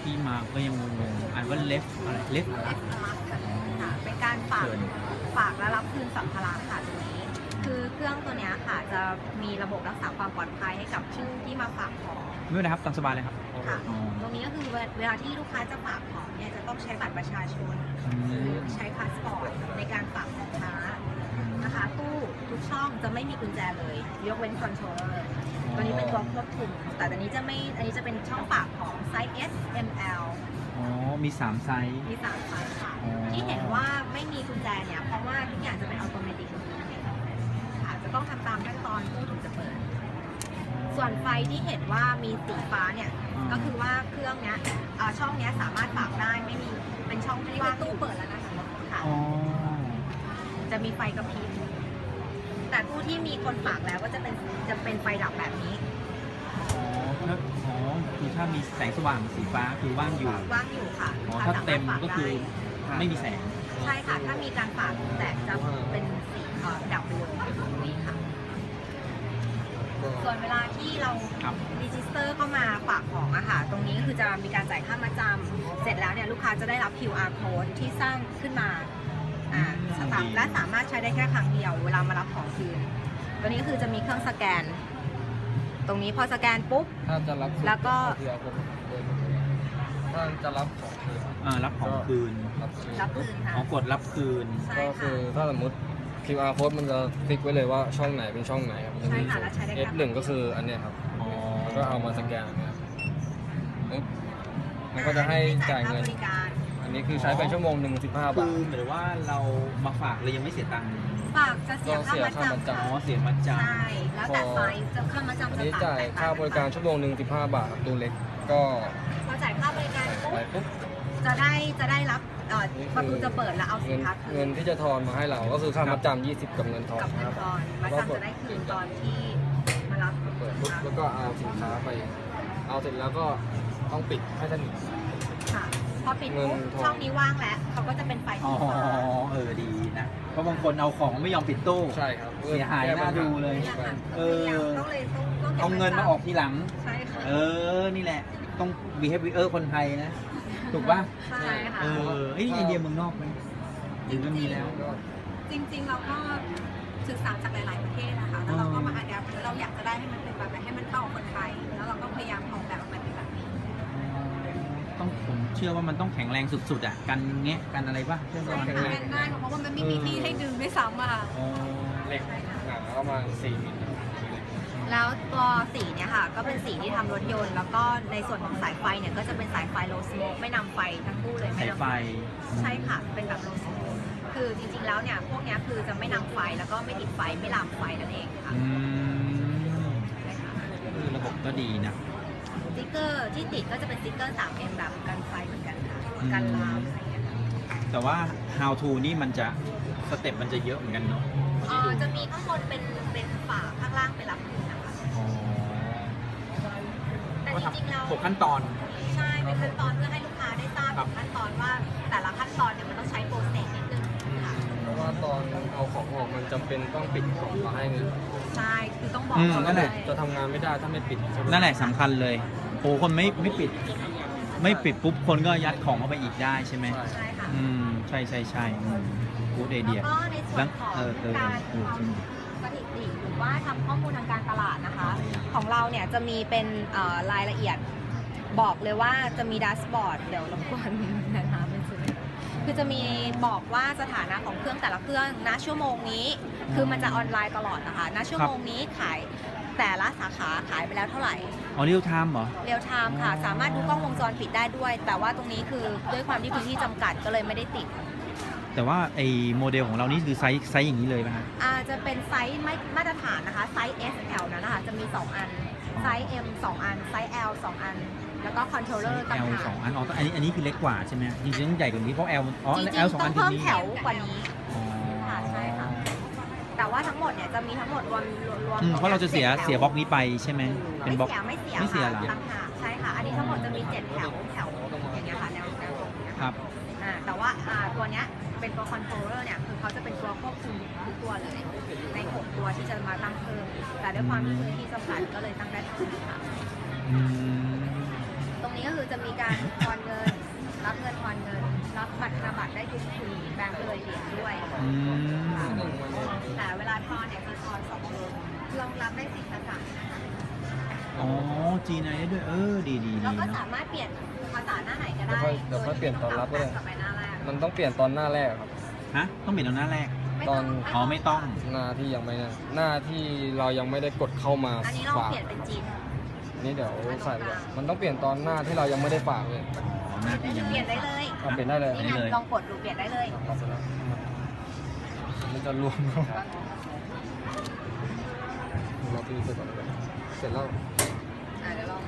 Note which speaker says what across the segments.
Speaker 1: ที่มาก็ยังงงๆอ่านว่าเลฟอะไรเลฟอะไร
Speaker 2: ค่ะเป็นการฝาก
Speaker 1: เชิญ
Speaker 2: และรับคืนสัมภาระค่ะตรงนี้ คือเครื่องตัวเนี้ยค่ะจะมีระบบรักษาความปลอดภัยให้กับผู้ที่มาฝากของ
Speaker 1: ไม่เป็นไรครับตามสบายเลยครับ
Speaker 2: ค่ะ
Speaker 1: อ๋อ
Speaker 2: ตรงนี้ก็คือเวลาที่ลูกค้าจะฝากของเนี่ยจะต้องใช้บัตรประชาชน
Speaker 1: อื
Speaker 2: หรือ
Speaker 1: ม
Speaker 2: ใช้พาสปอร์ตในการฝากสินค้านะคะตู้ทุกช่องจะไม่มีกุญแจเลย ยกเว้นคอนโทรลเลอร์ตัวนี้เป็นตัวควบคุมแต่ตัวนี้อันนี้จะเป็นช่องฝากของไซส์ S M L
Speaker 1: อ๋อมี3ไซส์
Speaker 2: มี3ไซส์ค่ะ
Speaker 1: อ๋อ
Speaker 2: ที่เห็นว่าไม่มีกุญแจเนี่ยเพราะว่าทุกอย่างจะเป็นอัตโนมัติค่ะจะต้องทำตามขั้นตอนตู้ถึงจะเปิด ส่วนไฟที่เห็นว่ามีสีฟ้าเนี่ยก็คือว่าเครื่องเนี้ยช่องเนี้ยสามารถฝากได้ไม่มีเป็นช่องที่ว่างตู้เปิดแล้วนะคะค่ะ
Speaker 1: อ๋อ
Speaker 2: จะมีไฟกระพริบแต่ตู้ที่มีคนฝากแล้วก็จะเป็นไฟดับแบบนี้
Speaker 1: อ๋อคือถ้ามีแสงสว่างสีฟ้าคือว่างอยู่
Speaker 2: ว่างอยู่ค่ะ
Speaker 1: อ๋อ
Speaker 2: ลูกค้
Speaker 1: ถ้าเต็ม
Speaker 2: สรถฝ
Speaker 1: ก็คือ
Speaker 2: ได้
Speaker 1: ไม่มีแสง
Speaker 2: ใช่ค่ะ ถ้ามีการฝากแต่จะเป็นสีดับไปเลยตรงนี้ค่ะ ส่วนเวลาที่เรา
Speaker 1: ครับ
Speaker 2: รีจิสเตอร์เข้ามาฝากของอะค่ะ ตรงนี้คือจะมีการจ่ายค่ามาจำเสร็จแล้วเนี่ยลูกค้าจะได้รับ QR code ที่สร้างขึ้นมาและสามารถใช้ได้แค่ครั้งเดียวเวลามารับของคืน ตัวนี้คือจะมีเครื่องสแกน ตรงนี้พอสแกนปุ๊บ
Speaker 3: ถ้าจะรับ
Speaker 2: แล้วก็
Speaker 3: ถ้าจะรับของคืน
Speaker 1: รับของคืน
Speaker 3: รับคืน
Speaker 2: รับคืนค่ะ
Speaker 1: อ๋อกดรับคืน
Speaker 2: ใช่
Speaker 3: ก็คื
Speaker 2: ค่ะ
Speaker 3: อถ้าสมมติ QR code มันจะติ๊กไว้เลยว่าช่องไหนเป็นช่องไหนครับ
Speaker 2: ใช่ค่ะแล้วใช้ได้แค่
Speaker 3: F1 ก็คืออันเนี้ยครับ
Speaker 1: อ๋อ
Speaker 3: แล้วก็เอามาสแกนอย่างเงี้ยปึ๊บมันก็จะให้จ่ายเงิน
Speaker 2: ค่บริการ
Speaker 3: อันนี้คือใช้ไปชั่วโมงหนึ่ง15
Speaker 1: คื
Speaker 3: บา
Speaker 1: อ
Speaker 3: ท
Speaker 1: หมายถึงว่าเรามาฝากเลยยังไม่เสียตังค์
Speaker 2: ฝากจะเสียค่ามาจำ
Speaker 1: อ๋อ
Speaker 2: ค่ะ
Speaker 1: เสียมัดจ
Speaker 2: ใช่ แล้วแต่ไซส์จะค่ามาจำ
Speaker 3: อัน
Speaker 2: จะ
Speaker 3: นี้
Speaker 2: ต่าง
Speaker 3: จ่ายค่าบริการชั่วโมงหนึ่ง15 บาทครับตัวเล็กก็
Speaker 2: พอจ่ายค่าบริการปุ๊บ
Speaker 3: ไปปุ๊บ
Speaker 2: จะได้รับประตูจะเปิดแล้วเอาสิ
Speaker 3: เงิ
Speaker 2: น
Speaker 3: น
Speaker 2: ค้าคื
Speaker 3: เงิ
Speaker 2: น
Speaker 3: นที่จะทอนมาให้เราก็คือค่ามัดจำ20 กับเงินทอน
Speaker 2: กับเงิ
Speaker 3: คน รับ
Speaker 2: ทอนมาจำจะได้คืนตอนที่มารับ
Speaker 3: เปิดปุ๊บแล้วก็เอาสินค้าไป เอาเสร็จแล้วก็ต้องปิดให้สนิท
Speaker 2: ค่ะ พอปิดปุ๊บ
Speaker 3: เงินทอน
Speaker 2: ช่องนี้ว่างแล้วเขาก็จะเป็นไฟ
Speaker 1: ำอ๋
Speaker 2: สี
Speaker 1: อ
Speaker 2: ฟ้า
Speaker 1: ดีนะ เพราะบางคนเอาของไม่ยอมปิดตู้
Speaker 3: ใช่ครับ
Speaker 1: เสียหายน่าดูเลย
Speaker 2: นี่แหละค่ะ
Speaker 1: เออ
Speaker 2: ต้องเลยต้องก็บ
Speaker 1: เอาเงินมาออกทีหลัง
Speaker 2: ใช่ค่ะ
Speaker 1: นี่แหละ ต้อง behavior คนไทยนะ ถูกป่ะ
Speaker 2: ใช่ค่ะ
Speaker 1: ไอเดียเมืองนอกไหมหรือมันมีแล้ว
Speaker 2: จริงๆเราก็ศึกษาจากหลายๆประเทศนะคะแล้วเราก็มาอัดแอปเราอยากจะได้ให้มันเป็นแบบไหนให้มันเข้ากับคนไทย แล้วเราก็พยายามออกแบบออกมาเป็นแบบนี้
Speaker 1: ต้องผมเชื่อว่ามันต้องแข็งแรงสุดๆอ่ะ กันแงะกันอะไรป่ะเชื่อ
Speaker 2: ใช่
Speaker 1: ว่า
Speaker 2: ค่ะเป็นได้เพราะว่ามันไม่มีที่ให้ดึงด้วยซ้ำอะค่ะ
Speaker 1: อ๋อ
Speaker 3: เหล็กหนาประมาณ4 มิล
Speaker 2: แล้วตัวสีเนี่ยค่ะก็เป็นสีที่ทำรถยนต์ แล้วก็ในส่วนของสายไฟเนี่ยก็จะเป็นสายไฟโลสโมกไม่นำไฟทั้งคู่เลย
Speaker 1: สา
Speaker 2: ไม่
Speaker 1: ย
Speaker 2: นำ
Speaker 1: ไฟ
Speaker 2: ใช่ค่ะเป็นแบบโลสโมกคือจริงๆแล้วเนี่ยพวกเนี้ยคือจะไม่นำไฟแล้วก็ไม่ติดไฟไม่ลามไฟนั่นเองค่ะ
Speaker 1: อืม
Speaker 2: ใช่ค่ะ
Speaker 1: คือระบบก็ดีนะ
Speaker 2: สติ๊กเกอร์ที่ติดก็จะเป็นสติ๊กเกอร์ 3M แบบกันไฟเหมือนกันค่ะกันลามอะไรอย่างเงี้ยค่ะ
Speaker 1: แต่ว่า how to นี่มันจะสเต็ปมันจะเยอะเหมือนกันเนาะ
Speaker 2: จะมีข้างบนเป็นฝาข้างล่างเป็นรับคืนนะคะ
Speaker 1: อ๋อ
Speaker 2: แต่จริงๆแล้ว
Speaker 1: 6ขั้นตอน
Speaker 2: ใช่เป็นขั้นตอนเพื่อให้ลูกค้าได้ทราบ
Speaker 1: ครับ
Speaker 2: ขั้นตอนว่าแต่ละขั้นตอนเนี่ยมันต้องใช้โปรเซสนิดนึงค่ะ
Speaker 3: เพราะว่าตอนเอาของออกมันจำเป็นต้องปิดกล่องมาให้เงิน
Speaker 2: ใช่คือต้องบอก
Speaker 1: นั่นแหละ
Speaker 3: จะทำงานไม่ได้ถ้าไม่ปิดใช่ไหม
Speaker 1: นั่นแหละสำคัญเลยโอ้คนไม่ปิด ไม่ปิดปุ๊บคนก็ยัดของเข้าไปอีกได้ใช่ไหม
Speaker 2: ใช่ค่ะ
Speaker 1: ใช่กูดไอเดีย
Speaker 2: แล้วก็ในส่วนของการทำสถิติหรือว่าทำข้อมูลทางการตลาดนะคะ ของเราเนี่ยจะมีเป็นรายละเอียดบอกเลยว่าจะมีดัชบอร์ดเดี๋ยวรบกวนนะคะเป็นสื่อคือจะมีบอกว่าสถานะของเครื่องแต่ละเครื่องณชั่วโมงนี้ คือมันจะออนไลน์ตลอดนะคะณชั่วโมงนี้ขายแต่ละสาขาขายไปแล้วเท่าไหร่
Speaker 1: อ๋อเรียลไทม์เหรอ
Speaker 2: เรียลไทม์ค่ะ สามารถดูกล้องวงจรปิดได้ด้วย แต่ว่าตรงนี้คือด้วยความที่พื้นที่จำกัดก็เลยไม่ได้ติด
Speaker 1: แต่ว่าไอ้โมเดลของเรานี่คือไซส์อย่างนี้เลยไหมฮะ
Speaker 2: จะเป็นไซส์ไม่มาตรฐานนะคะ ไซส์ S L นั้นนะคะ จะมี 2 อัน ไซส์ M 2 อัน ไซส์ L 2 อัน แล้วก็คอนโทรลเลอร์ต่าง
Speaker 1: L
Speaker 2: หาก
Speaker 1: 2 อันอ๋ออันนี้คือเล็กกว่าใช่ไหมจริงๆต้องใหญ่กว่านี้เพราะ L อ๋อ
Speaker 2: จริง
Speaker 1: L 2
Speaker 2: ๆต้
Speaker 1: อั
Speaker 2: อน ง
Speaker 1: คือ
Speaker 2: เพิ่ม
Speaker 1: นี้
Speaker 2: แถวกว่านี้
Speaker 1: อ๋อ
Speaker 2: ค่ะใช่ค่ะ แต่ว่าทั้งหมดเนี่ยจะมีทั้งหมดรวม
Speaker 1: เพราะเราจะเสียบล็อกนี้ไปใช่ไหมเป็นบล็อก
Speaker 2: ไม่เสีย
Speaker 1: ไม่เสีย
Speaker 2: ค่ะ
Speaker 1: เหรอ
Speaker 2: ต่างหากใช่ค่ะ อันนี้ทั้งหมดจะมี7แถวอย่างเงี้ยค่ะแนวตรงเนี้ย
Speaker 1: ครั
Speaker 2: ค่ะ
Speaker 1: บ
Speaker 2: แต่ว่าตัวเนี้ยเป็นตัวคอนโทรลเลอร์เนี่ยคือเขาจะเป็นตัวควบคุมทุกตัวเลย ใน6ตัวที่จะมาตั้งเพิ่มแต่ด้วยความที่พื้นที่จำกัดก็เลยตั้งได้เท่านี้ค่ะ
Speaker 1: อืม
Speaker 2: ตรงนี้ก็คือจะมีการทอนเงิน รับเงินทอนเงิน รับบัตรธนบัตรได้ทุกทีแบงค์เลยเหรียญด้วย
Speaker 1: อืม
Speaker 2: แต่เวลาทอนเนี่ยคือทอน2 เดือนรองรับได้10 ภาษา
Speaker 1: อ๋อจีนได้ด้วยดีดี
Speaker 2: แล้วก็
Speaker 1: เนาะ
Speaker 2: สามารถเปลี่ยนภาษาหน้าไหนก็ได้
Speaker 3: เดี๋ยวค่อยเปลี่ยนตอนรับก็ได้
Speaker 2: กลับไปหน้าแรก
Speaker 3: มันต้องเปลี่ยนตอนหน้าแรกครับ
Speaker 1: ฮะต้องเปลี่ยนตอนหน้าแรก
Speaker 2: ไม่
Speaker 3: ต
Speaker 2: ต้
Speaker 3: อ
Speaker 2: อน ง
Speaker 1: อ๋อไม่ต้อง
Speaker 3: หน้าที่ยังไม่นะหน้าที่เรายังไม่ได้กดเข้ามา
Speaker 2: อันนี้ลอง
Speaker 3: ฝาก
Speaker 2: เปลี่ยนเป็นจีน
Speaker 3: นี่เดี๋ยวใส่เลยมันต้องเปลี่ยนตอนหน้าที่เรายังไม่ได้ฝากเลย
Speaker 1: อ๋อหน้าที่ยัง
Speaker 2: เป
Speaker 1: ไม่
Speaker 2: ลี่ยนได้เลย
Speaker 3: เอาเปลี่ยนได้เลย
Speaker 2: นี่ไง
Speaker 1: ได้เลย
Speaker 2: ลองกดดูเปลี่ยนได้เลย
Speaker 3: เอาไปแล้วมันจะรวมเราตีเสร็จก่อนเลยเสร็จแล้ว
Speaker 2: เดี๋ยวลอง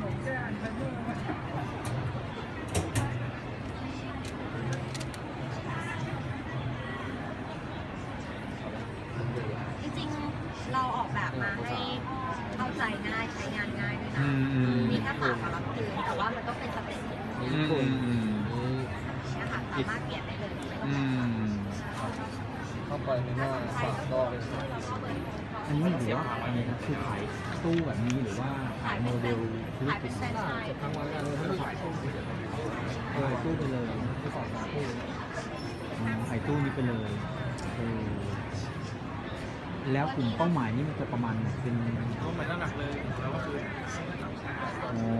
Speaker 2: จริงๆ เราออกแบบมาให้เข้าใจง่ายใช้งานง่ายด้วยนะ มีแค่ฝากกับรับคืนแต่ว่ามันต้องเป็นสเต็ป
Speaker 3: มีญี่ปุ่นมี
Speaker 2: นะคะสามารถเปลี่ยนได้เลยไม่ต้อง
Speaker 1: อืม
Speaker 3: เข้าไปในหน้าฝากก็เป็น
Speaker 1: อันนี้หรือว่าอะไรนะคือขายตู้แบบนี้หรือว่าขายโมเดลธุร
Speaker 2: ขาย
Speaker 1: กิ
Speaker 2: เป็
Speaker 1: จ
Speaker 2: นแฟรนไชส์
Speaker 3: ทั้งวันงานเลยทั้งขายตู้
Speaker 1: ตู้ไปเลย
Speaker 3: ที่ฝากตู้
Speaker 1: ขายตู้นี้ไปเลยแล้วกลุ่มเป้าหมายนี่มันจะประมาณไหนเป็น
Speaker 3: ก็เหมือนหลักเลยแล้วก็คือ
Speaker 1: อ๋อ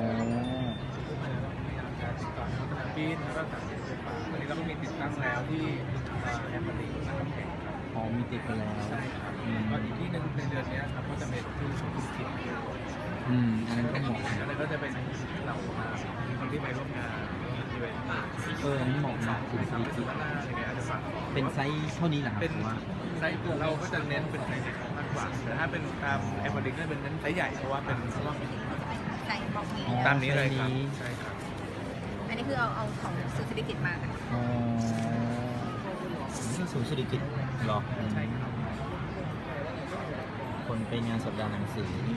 Speaker 3: ปีนแล้วก็สั่งไฟฟ้าวันนี้เราก็มีติดตั้งแล้วที่แอปพลิเคชันน้ำแข็ง
Speaker 1: พอมีติดไปแล้ว
Speaker 3: ก็อีกที่หนึ่งในเดือนนี้ครับก็จะเป็นที่สุขุมวิท
Speaker 1: อันนั้นก็เหมาะ
Speaker 3: แล้วก็จะเป็นเหล่าคนที่ไปร่วมงานอีเวนต์
Speaker 1: อันนี้เหมาะนะคุณ
Speaker 3: ทำเป็นสุดหน้าอะไรเงี้ยอาจจะฝาก เป็น
Speaker 1: ไซส์เท่านี้เหรอครับ
Speaker 3: เป็น
Speaker 1: ว่า
Speaker 3: ไซส์เราก็จะเน้นเป็นไซส์เล็กมากกว่าแต่ถ้าเป็นตามแอปพลิเคชันเป็นเน้นไซส์ใหญ่เพราะว่าเป็น
Speaker 2: ใส่บล็อกนี้
Speaker 3: ตามนี้เลยครับใช่ครับ
Speaker 2: อันนี้คือเอาของซูซิลิกิตมาค่ะ
Speaker 1: อ๋อนี่ศูนย์เศรษฐกิจเหรอ
Speaker 3: ใช่ครับ
Speaker 1: คนไปงานสัปดาห์หนังสือนี่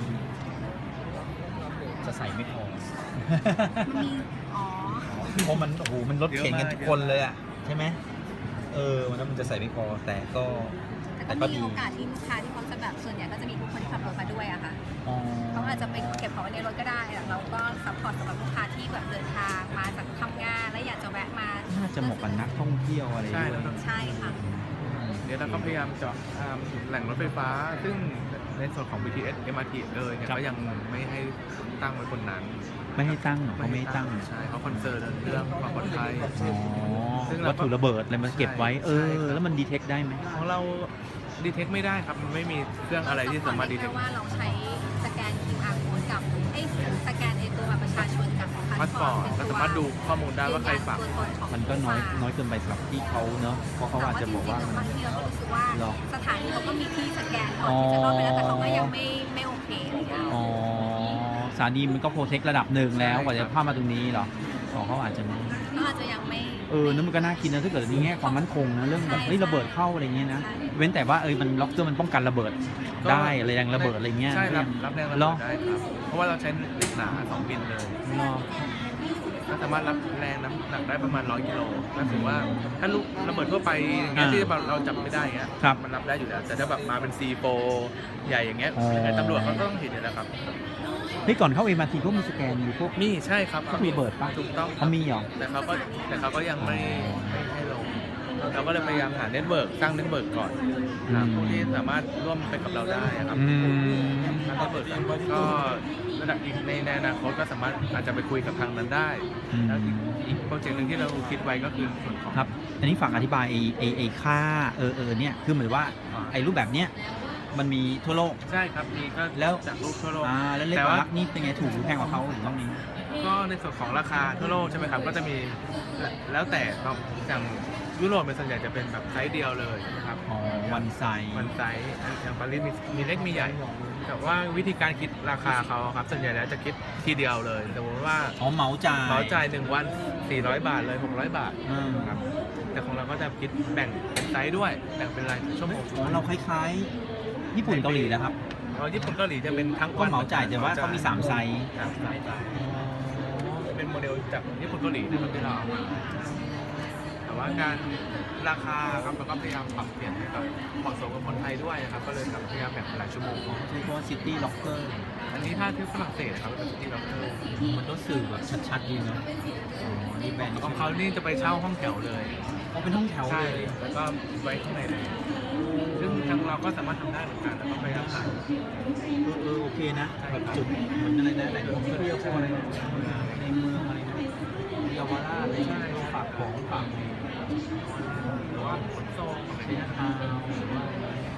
Speaker 1: จะใส่ไม่พอ
Speaker 2: มีอ๋อ
Speaker 1: เพราะมันโอ้โหมันรถเข็นกันทุกคนเลยอ่ะ ใช่ไหมมันจะใส่ไม่พอแต่ก็
Speaker 2: แต่ก็มีโอกาสที่ลูกค้าที่เขาจะแบบส่วนใหญ่ก็จะมีทุกคนที่ขับรถมาด้วยอะค่ะ
Speaker 1: อ๋อ
Speaker 2: เขาอาจจะไปเก็บของไว้ในรถก็ได้อะเราก็ซัพพอร์ตสำหรับลูกค้าที่แบบเดินทางมาจากทำงานแล้วอยากจะแวะมา
Speaker 1: น่าจะเหมาะกับนักท่องเที่ยวอะไรด้วย
Speaker 2: ใช่ค่ะ
Speaker 3: เดี๋ยวเราก็พยายามเจาะแหล่งรถไฟฟ้า ซึ่งในส่วนของ BTS MRT เลยเนี่ย
Speaker 1: ครับ
Speaker 3: ก็ยังไม่ให้ตั้งไว้บนนั้น
Speaker 1: ไม่ให้ตั้งเหรอเขาไม่ให้ตั้ง
Speaker 3: ใช่เขาคอนเซิร์นเรื่องความปลอดภัย
Speaker 1: อ๋อ
Speaker 3: ซึ่งเราก็
Speaker 1: วัตถุระเบิดอะไรมาเก็บไว้
Speaker 3: ใช่ครับ
Speaker 1: แล้วมันดีเทคได้ไหม
Speaker 3: ของเราดีเทคไม่ได้ครับ มันไม่มีเครื่องอะไรที่สามารถดีเทค
Speaker 2: ว่าเราใช้สแกน QR code กับสแกนตัวบัตรประชาชนกับ
Speaker 3: พาสปอร์ตก็สามารถดูข้อมูลได้ว่าใครฝาก
Speaker 1: มันก็น้อยเกินไปสำหรับที่เขาเนอะเพราะเขาอาจจะบอกว่า
Speaker 2: บางทีเราก็รู้สึกว่า
Speaker 1: หรอ
Speaker 2: สถานีเขาก็มีที่สแกนก่อนที่จะเข้าไปแล้วแต่เขาก็ยังไม่โอเคอะไรอย่างเงี้ย
Speaker 1: อ๋อสถานีมันก็โปรเทคระดับหนึ่งแล้วกว่าจะพามาตรงนี้เหรอเขาอาจจะไม่
Speaker 2: ก็อาจจะยังไม่
Speaker 1: นั่นมันก็น่าคิดนะถ้าเกิดในแง่ความมั่นคงนะเรื่องแบบเฮ้ยระเบิดเข้าอะไรเงี้ยนะ
Speaker 2: ใช่
Speaker 1: เว้นแต่ว่ามันล็อกเกอร์มันป้องกันระเบิดได้อะไรแรงระเบิดอะไรเงี้ย
Speaker 3: ใช่รับแรงระ
Speaker 1: หร
Speaker 3: เบิ
Speaker 1: อ
Speaker 3: ดได้ครับ เพราะว่าเราใช้เหล็กหนา2บินเลย
Speaker 1: หรอ
Speaker 3: ก็สามารถรับแรงน้ำหนักได้ประมาณ100 กิโลก็ถือว่าถ้าลูกระเบิดทั่วไปอย่างเงี้ยที่เราจับไม่ได้เงี้ย
Speaker 1: ครับ
Speaker 3: มันรับได้อยู่แล้วแต่ถ้าแบบมาเป็น C4 ใหญ่อย่างเงี้ย
Speaker 1: อ๋อ
Speaker 3: ยังไงตำรวจเขาก็ต้องเห็นอยู่แล้วครับ
Speaker 1: เฮ้ยก่อนเข้า MRT พวกมีสแกนมีพวก
Speaker 3: มีใช่ครับ
Speaker 1: เขามีระเบิดปะ
Speaker 3: ถูกต้อง
Speaker 1: เขามีเหรอ
Speaker 3: แต่เขาก็ยังไม่ให้ลงเราก็เลยพยายามหาเน็ตเวิร์กสร้างเน็ตเวิร์กก่อนครับที่สามารถร่วมไปกับเราได้ครับ
Speaker 1: อืม
Speaker 3: ทางเน็ตเวิร์กก็ระดับอีกในอนาคตก็สามารถอาจจะไปคุยกับทางนั้นได้ แล้วอีกโปรเจกต์หนึ่งที่เราคิดไว้ก็คือส่วนของ
Speaker 1: ครับ อันนี้ฝากอธิบายไอ้ค่าเนี่ยคือเหมือนว่าไอ้รูปแบบเนี้ยมันมีทั่วโลก
Speaker 3: ใช่ครับมีก็
Speaker 1: แล้ว
Speaker 3: จากรูปทั่วโลก
Speaker 1: แล้วเล็ก
Speaker 3: แต่
Speaker 1: กว่า
Speaker 3: ว่า
Speaker 1: รักนี่เป็นไงถูกหรือแพงกว่าเขาหรือต้องนี้
Speaker 3: ก็ในส่วนของราคาทั่วโลกใช่ไหมครับก็จะมีแล้วแต่อย่างยุโรปเป็นส่วนใหญ่จะเป็นแบบไซส์เดียวเลยนะครับ
Speaker 1: อ๋อวันไซส์
Speaker 3: มันไซส์อย่างปารีสมีเล็กมีใหญ่ แต่ว่าวิธีการคิดราคาเขาครับส่วนใหญ่แล้วจะคิดทีเดียวเลยสมมติว่า
Speaker 1: เหมาจ่าย
Speaker 3: เขาจ่าย1 วัน400 บาทเลย600 บาท
Speaker 1: อืม
Speaker 3: ครับแต่ของเราก็จะคิดแบ่งเป็นไซส์ด้วยแบ่งเป็นรายชั่วโมง
Speaker 1: อ๋อเราคล้ายๆญี่ปุ่นเกาหลีนะครับ
Speaker 3: เราญี่ปุ่นเกาหลีจะเป็นทั้ง
Speaker 1: ก็เหมาจ่ายแต่ว่าเขามี3ไซส์
Speaker 3: ครับสามไซส์เป็นโมเดลจากญี่ปุ่นเกาหลีนะครับที่เราเอามาแต่ว่าการราคาครับเราก็พยายามปรับเปลี่ยนให้แบบเหมาะสมกับคนไทยด้วยนะครับก็เลยแบบพยายามแบ่งเป็นหลายชั่วโมง
Speaker 1: ใช้คำว่าซิตี้ล็อกเกอร์
Speaker 3: อันนี้ถ้าที่ฝรั่งเศสครับเป็นที่ล็อกเกอร์
Speaker 1: มันก็สื่อแบบชัดๆดีเนาะอ๋อนี่แบรนด์
Speaker 3: ของเขานี่จะไปเช่าห้องแถวเลย
Speaker 1: เขาเป็นห้องแถว
Speaker 3: ใช่
Speaker 1: เลย
Speaker 3: แล้วก็ไว้ข้างในเลยซึ่งทางเราก็สามารถทำได้เหมือนกันแล้วก็พยายามหา
Speaker 1: โอเคนะแบบจุดเหมือนอะไรนะแหล่งท่องเที่ยวพวกอะไรในเมืองอะไรนะเยาวราชอะไรใช่ฝากของฝากหรือว่าขนส่งอะไรเนี่ยทาวหรือว่า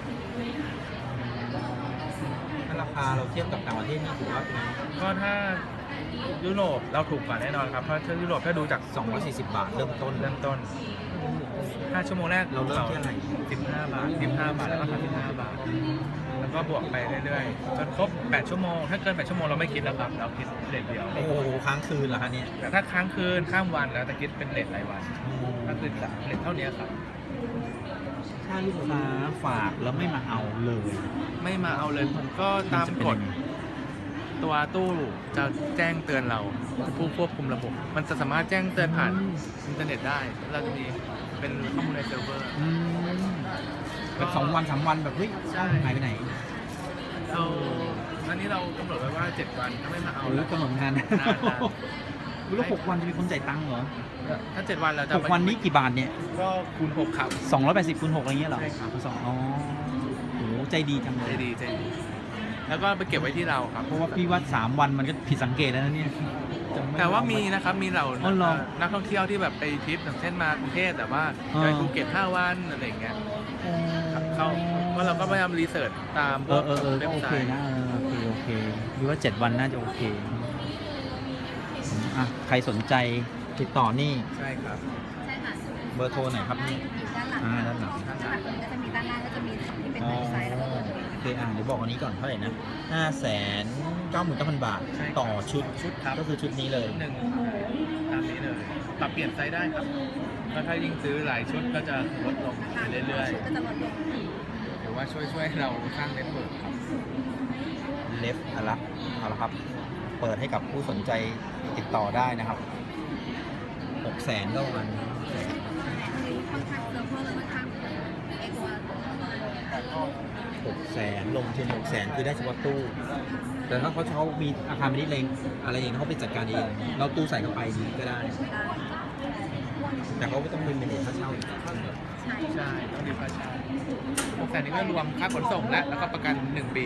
Speaker 1: ถ้าราคาเราเทียบกับต่างประเทศนี่ถือว่าเป็น
Speaker 3: ก็ถ้ายุโรปเราถูกกว่าแน่นอนครับเพราะถ้ายุโรปถ้าดูจาก
Speaker 1: 240 บาทเริ่มต้น
Speaker 3: เริ่มต้น5 ชั่วโมงแรก
Speaker 1: เราเริ่มที่อะไร
Speaker 3: 15 บาท15 บาทแล้วก็35 บาทแล้วก็บวกไปเรื่อยๆจนครบ8 ชั่วโมงถ้าเกิน8 ชั่วโมงเราไม่คิดแล้วครับเราคิดเรทเดียว
Speaker 1: โอ้โหค้างคืนเหรอคะเนี่ย
Speaker 3: แต่ถ้าค้างคืนข้ามวันแล้วจะคิดเป็นเรทรายวันก็คือเรทเท่านี้ครับ
Speaker 1: ถ้าลูกค้าฝากแล้วไม่มาเอาเลย
Speaker 3: ไม่มาเอาเลยผมก็ตามกฎตัวตู้จะแจ้งเตือนเราผู้ควบคุมระบบ มันจะสามารถแจ้งเตือนผ่านอินเทอร์เน็ตได้ เราจะมีเป็นข้อมูลในเซิร์ฟเวอร์
Speaker 1: แบบ2 วัน 3 วันแบบเฮ้ย
Speaker 3: ใช่
Speaker 1: หายไปไหน
Speaker 3: เราอันนี้เรากำหนดไว้ว่า 7 วันถ้าไม่มาเอา
Speaker 1: หรือกำหนดงาน
Speaker 3: นาน
Speaker 1: แล้ว6 วันจะมีคนจ่ายตังค์เหรอ
Speaker 3: ถ้า 7 วันเราจะ
Speaker 1: 6 วันนี้กี่บาทเนี่ย
Speaker 3: ก็คูณ 6 ครับ
Speaker 1: 280คูณ6อะไรเงี้ยเหรอ
Speaker 3: ใช่ครับ
Speaker 1: สองอ๋อโหใจดีจังเล
Speaker 3: ใจ
Speaker 1: ย
Speaker 3: ดีใจดีแล้วก็ไปเก็บไว้ที่เราครับ
Speaker 1: เพราะว่าพี่ว่า3 วันมันก็ผิดสังเกตแล้วนะเนี่ยจะไ
Speaker 3: แต่ว่ามีนะครับ มีเหล่า
Speaker 1: อ๋อเหรอ
Speaker 3: นักท่องเที่ยวที่แบบไปทริปอย่างเช่นมากรุงเทพแต่ว่า
Speaker 1: อ่า
Speaker 3: ไปภูเก็ต5 วันอะไรอย่างเงี้ยเขาก็เราก็พยายามรีเสิร์ชตามพวก
Speaker 1: ก็
Speaker 3: เว็บ
Speaker 1: โอ
Speaker 3: ไซ
Speaker 1: เค
Speaker 3: ต์
Speaker 1: นะโอเคพี่ว่า7 วันน่าจะโอเคอ่ะใครสนใจติดต่อนี่
Speaker 3: ใช่ครับ
Speaker 2: ใช่ค่ะ
Speaker 1: เบอร์โทรไหนครับนี่
Speaker 2: อยู่ด้านหลัง
Speaker 1: ด้านหลัง
Speaker 2: ด้านหลังก็จะมีด้านล่างก็จะมีที่เป็น
Speaker 1: อ๋อ
Speaker 2: เว็บไซต์แล้วก็เบอร์โทร
Speaker 1: โอเคเดี๋ยวบอกอันนี้ก่อนเท่าไหร่นะ 599,000 บาท
Speaker 3: ใช่ครับ
Speaker 1: ต่อชุด
Speaker 3: ชุดครับ
Speaker 1: ก็คือชุดนี้เลย
Speaker 3: หนึ่งตามนี้เลย ปรับเปลี่ยนไซส์ได้ครับแล้วถ้ายิ่งซื้อหลายชุดก็จะลดลงไปเรื่อย
Speaker 2: ชุดก็จะลดลง
Speaker 3: ๆหรือว่าช่วยให้เราสร้างเน็ตเวิร์กครับ
Speaker 1: เลฟเอาละครับ เปิดให้กับผู้สนใจติดต่อได้นะครับ 600,000ก็วัน
Speaker 2: ค่อนข้างเซิร์ฟเวอร์ค่อนข้างไอตัว
Speaker 1: 600,000ลงทุน600,000คือได้เฉพาะตู้ แต่ถ้าเขามีอาคารไม่ได้เลงอะไรอย่างเขาไปจัดการเองเราตู้ใส่เข้าไปนี้ก็ได้ แต่เขาก็ต้องเป็นค่าเช่าอีก
Speaker 3: ใช่ ต้องดีค่าเช่า600,000นี้ก็รวมค่าขนส่งแล้วก็ประกัน 1 ปี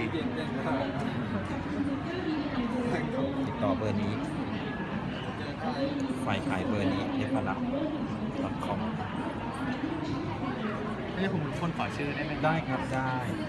Speaker 1: ติดต่อเบอร์นี้ ฝ่ายขายเบอร์นี้เลฟลับ.com
Speaker 3: ไม่ใช่ผมเป็นคนขอชื่อได้ไหม
Speaker 1: ได้ครับได้